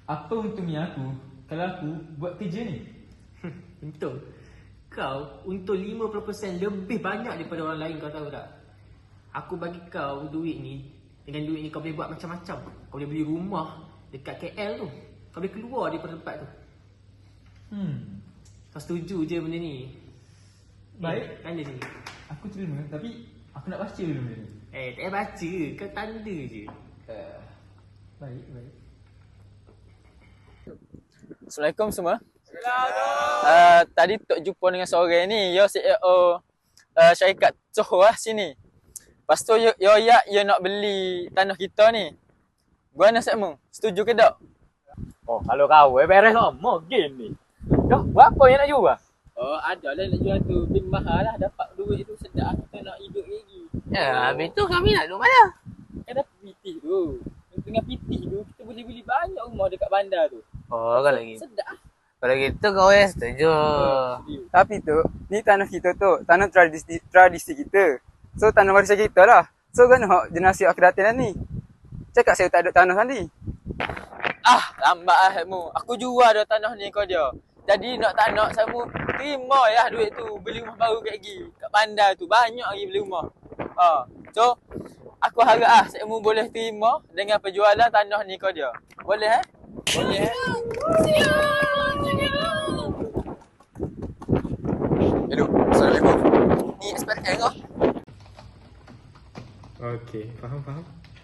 Apa untungnya aku kalau aku buat kerja ni? Untung. Kau untung 50% lebih banyak daripada orang lain, kau tahu tak? Aku bagi kau duit ni. Dengan duit ni kau boleh buat macam-macam. Kau boleh beli rumah dekat KL tu. Kau boleh keluar daripada tempat tu. Kau setuju je benda ni? Baik. Tanda sini. Aku terima, tapi aku nak baca dulu benda ni. Tak payah baca. Kau tanda je. Baik, baik. Assalamualaikum semua. Tadi Tok jumpa dengan seorang ni, yo CEO syarikat Johor lah sini. Lepas tu yo nak beli tanah kita ni. Gimana Sakmu? Setuju ke tak? Oh, kalau kau beres lama game ni. Dah, berapa yang nak jual? Oh, ada lah nak jual tu. Tapi mahal lah, dapat duit tu sedap. Kita nak hidup lagi. Ya, habis tu kami nak duduk mana? Kan dah pitih tu. Tengah pitih tu, kita boleh beli banyak rumah dekat bandar tu. Oh, kalau gitu. Sedap. Kalau gitu kau setuju. Tapi tu, ni tanah kita tu, tanah tradisi kita. So tanah warisan kita lah. So kan generasi akhiratin ni. Cakap saya tak ada tanah tadi. Lambat lah Sakmu. Aku jual dah tanah ni kau dia. Jadi nak tak nak Sakmu, terima ya duit tu. Beli rumah baru kat lagi. Kat bandar tu, banyak lagi beli rumah. So, aku harap Sakmu boleh terima dengan penjualan tanah ni kau dia. Boleh Boleh Hello, Assalamualaikum. Ni SPRM kau. Okey, faham. Faham?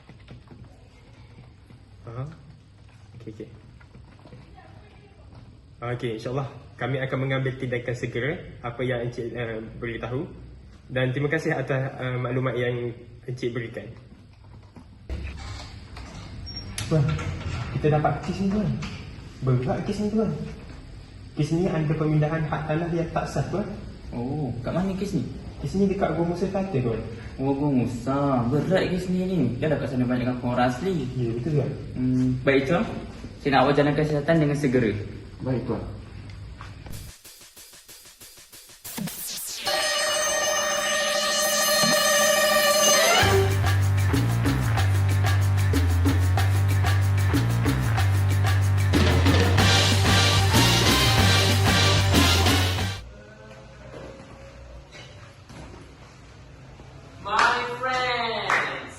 Okey. Okey, insyaAllah kami akan mengambil tindakan segera apa yang Encik beritahu. Dan terima kasih atas maklumat yang Encik berikan. Tuan, kita dapat kes ni tuan. Berat kes ni tuan. Kes ni ada pemindahan hak tanah yang tak sah tuan. Oh, kat mana kes ni? Kes ni dekat Gua Musa Kata tuan. Oh, Musa. Berat kes ni ni. Dah kat sana banyak kampung orang asli. Ya, betul tuan. Baik, Tuan. Saya nak awak jalankan siasatan dengan segera. Baik tuan. My friends.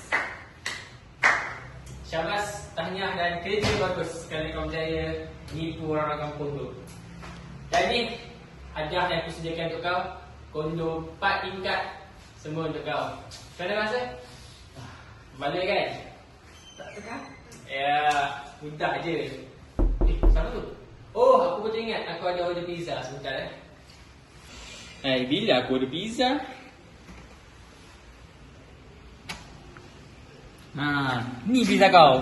Syabas, tahniah dan kerja bagus kerana kau berjaya nipu orang-orang kampung tu. Dan ni hadiah yang aku sediakan untuk kau. Kondo 4 tingkat. Semua untuk kau. Macam mana rasa? Balik kan? Tak tekan? Ya, mudah je. Siapa tu? Oh, aku betul ingat aku ada order pizza sebentar Bila aku ada pizza? Ni pizza kau.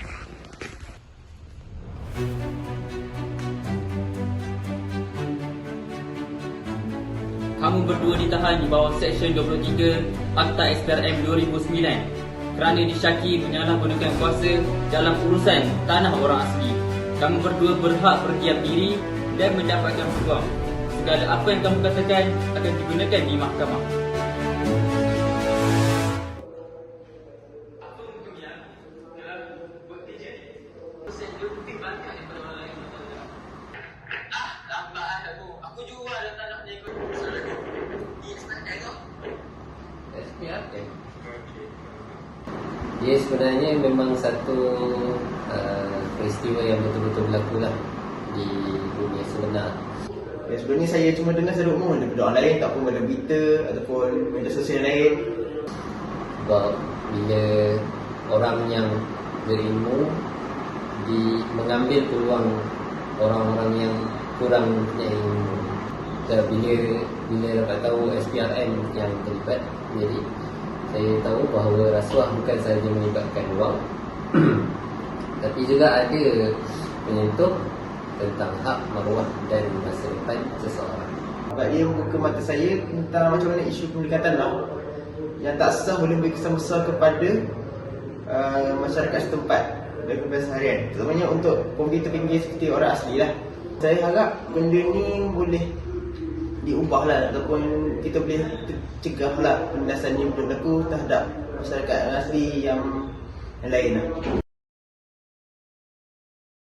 Kamu berdua ditahan di bawah Seksyen 23 Akta SPRM 2009 kerana disyaki menyalahgunakan kuasa dalam urusan tanah orang asli. Kamu berdua berhak berdiam diri dan mendapatkan peluang. Segala apa yang kamu katakan akan digunakan di mahkamah. Lambat lah Sakmu. Aku jual dah tanah ni kau. Ni SPRM kau. SPRM. Dia sebenarnya memang satu peristiwa yang betul-betul berlaku lah di dunia sebenar. Ya, sebenarnya saya cuma dengar satu umum daripada orang lain, tak pun pada berita ataupun media sosial lain. Sebab bila orang yang berilmu mengambil peluang orang-orang yang kurang punya ilmu. Bila dapat tahu SPRM yang terlibat, jadi saya tahu bahawa rasuah bukan sahaja melibatkan wang tapi juga ada menyentuh tentang hak, maruah dan masa depan seseorang. Sebab dia membuka mata saya tentang macam mana isu pemilikan tanah yang tak sah boleh beri kesan besar kepada masyarakat setempat dan kebiasaan harian, terutamanya untuk komuniti terpinggir seperti orang asli lah. Saya harap benda ni boleh diubah lah, ataupun kita boleh cegah lah penindasan yang berlaku terhadap masyarakat asli yang lain lah.